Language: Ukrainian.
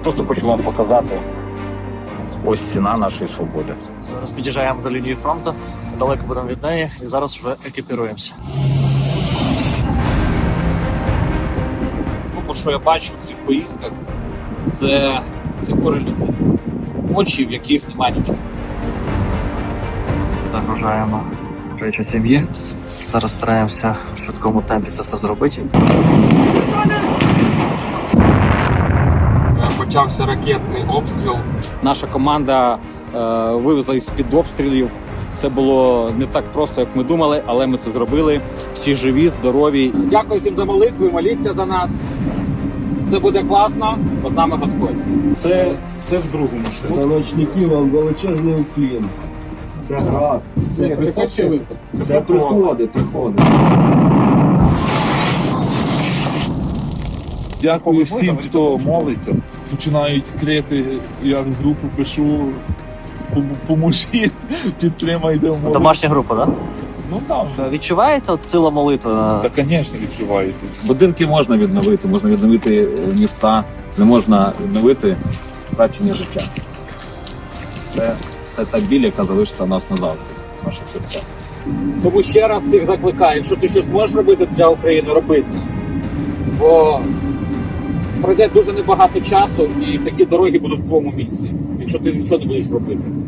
Просто хочу вам показати ось ціна нашої свободи. Зараз під'їжджаємо до лінії фронту, далеко будемо від неї і зараз вже екіпіруємося. Тому що я бачу в цих поїздках, це горе людей. Очі, в яких немає нічого. Загружаємо речі сім'ї. Зараз стараємося в швидкому темпі це все зробити. Почався ракетний обстріл. Наша команда вивезла їх з-під обстрілів. Це було не так просто, як ми думали, але ми це зробили. Всі живі, здорові. Дякую всім за молитви, моліться за нас. Все буде класно, бо з нами Господь. Це в другому ще. За ночників вам величезний уклін. Це град. Це приходи. Дякую всім, хто молиться. Починають крити, я в групу пишу, поможіть, підтримайте молитву. Домашня група, так? Ну там, Відчуваєте от сила молитви? та, звісно, відчувається. Будинки можна відновити міста, не можна відновити втрачення життя. Це та біль, яка залишиться в нас назавжди, в наших серцях. Тому ще раз всіх закликаю, якщо ти щось можеш робити для України, роби це. Бо пройде дуже небагато часу і такі дороги будуть в твоєму місці, якщо ти нічого не будеш робити.